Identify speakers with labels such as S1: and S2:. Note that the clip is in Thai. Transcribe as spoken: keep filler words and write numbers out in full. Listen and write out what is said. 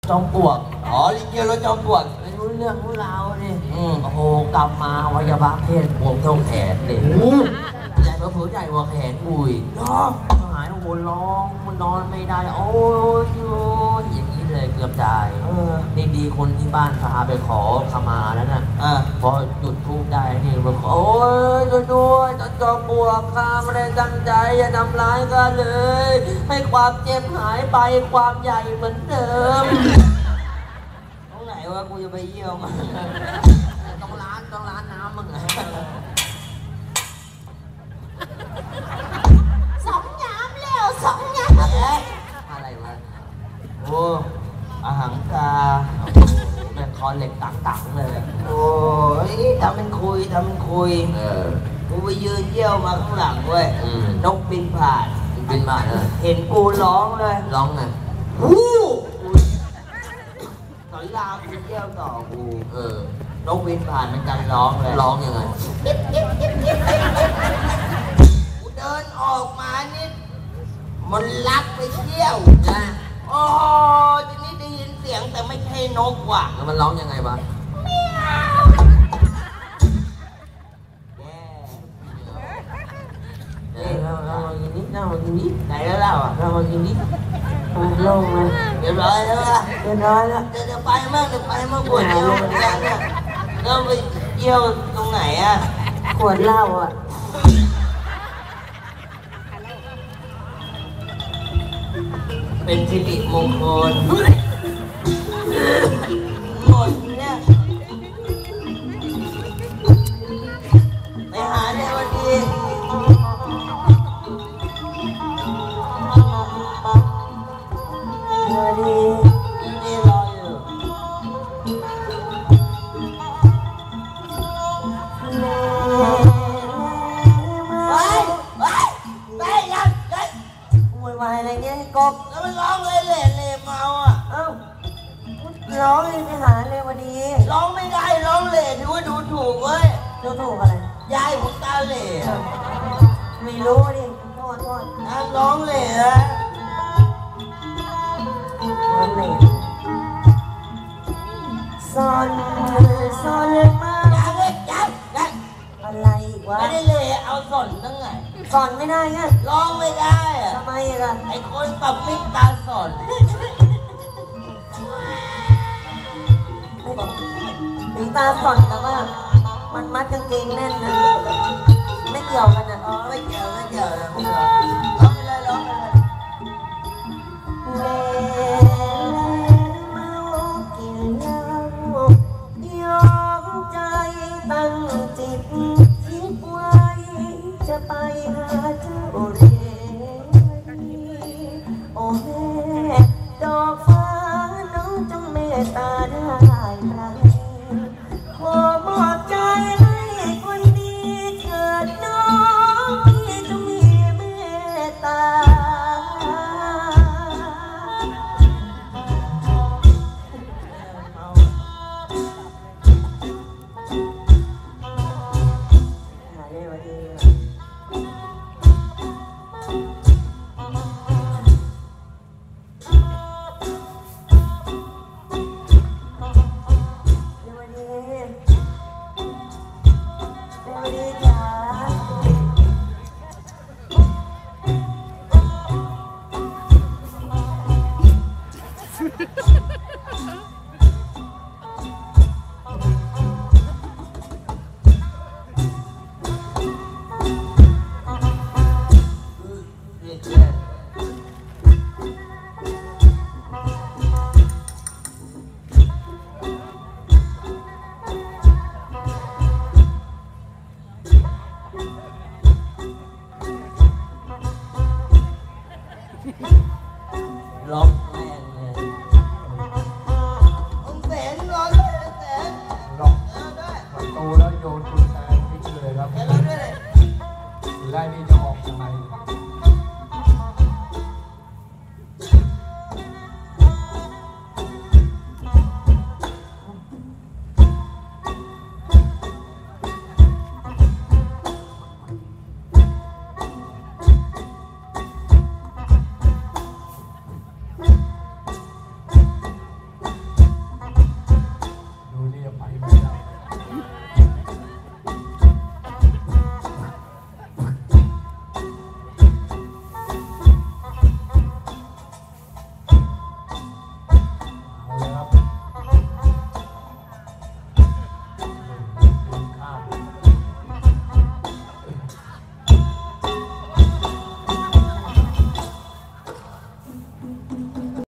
S1: จอมปลวก
S2: อ๋อลิเกรถจอมปลวก
S1: ไม่รู้เรื่องรู้ราวนี่โอ้โหกลับมาวัยบาเพศบวมเท่าแขนเลยใหญ่เผื่อใหญ่กว่าแขนปุยร้องหายโอ้โหร้องมันนอนไม่ได้โอ้ยอย่างนี้เลยเกือบตายนี่ดีคนที่บ้านพาไปขอขมาแล้วนะพอหยุดทุกได้นี่บอกโอ้ยด้วยด้วยจอจอมปลวกข้าไม่ได้ตั้งใจอย่าทำร้ายกันเลยให้ความเจ็บหายไปความใหญ่เหมือนเดิมตรงไหนวะกูจะไปเยี่ยมต้องร้านต้องร้านน้ำมึงไง
S3: สองน้ำเร็วสองน้ำ
S1: อะไรวะโอ้อาหารกาเป็นคอเหล็กตังๆเลย
S2: โอ้ยทำเป็นคุยทำเป็นคุย
S1: เออ
S2: กูไปยืนเยี่ยวมาข้างหลังเว้ยนกบินผ่าน
S1: บินผ่านเลย
S2: เห็นกูร้องเลย
S1: ร้องไง
S2: ฮู้สอนรามกูเยี่ยวต่อกู
S1: เออน
S2: กบินผ่านมันกันร้องเลย
S1: ร้องยังไง
S2: กูเดินออกมานิดมันลักไปเที่ยว
S1: นะ
S2: โอ้ทีนี้ได้ยินเสียงแต่ไม่ใช่นกว่ะ
S1: แล้วมันร้องยังไงบ้างเราเรากินนิดเรากินนิด
S2: ไหนแล้วเราอ่ะ
S1: เรากินนิดโล่งไหม
S2: เรียบร้อยแล้วล่ะ
S1: เรียบร้อยแล้ว
S2: เดี๋ยวจะไปมั่งเดี๋ยวไปมั่งปวดเยี่ยวเหมือนกันเนี่ยแล้วไปเยี่ยวตรงไหนอ่ะ
S1: ปวดเหล้าอ่ะ
S2: เป็นสิริมงคลหมดเนี่ยไปหาเนี่ยวันดี
S1: วันดี
S2: วันดีรออยู่ไปไปไปยังยัง
S1: วุ่นวายอะไรเงี้ยกบ
S2: แล้วมันร้องเลยเล่เล่เมาอ่ะ
S1: เอ้าร้องเลยไปหาเลยวันดี
S2: ร้องไม่ได้ร้องเล่ถือว่าดูถูกเว้ย
S1: ดูถูกอะไร
S2: ยายผมตาเล่
S1: ไม่รู้ดิโทษโทษ
S2: ร้องเล่ฮะ
S1: ร้องเล่ซอนซอนมา
S2: จับเลยจับจับ
S1: อะไรอีกวะ
S2: ไม่ได้เล่เอาสอนตั้งไง
S1: สอนไม่ได้ไง
S2: ร้องไม่ได้อะ
S1: ทำไมล่ะ
S2: ไอ้คนปรับมิตรตาสอน
S1: ถึงตาสอนแต่ว่ามันมัดกางเกงแน่นนะไม่เกี่ยวกันนะ
S2: อ๋อไม่เกี่ยวไม่เกี่ยวนะพวกเราร้องไปเลยร้องไปเลย
S1: เล่เมากินเหล้ายอมใจตั้งจิตคิดไว้จะไปหาเจ้าเรโอ้แม่ดอกฟ้าน้องจงเมตตาได้ไหมขอมอบใจให้คนดีเถิดน้องที่จงมีเมตตา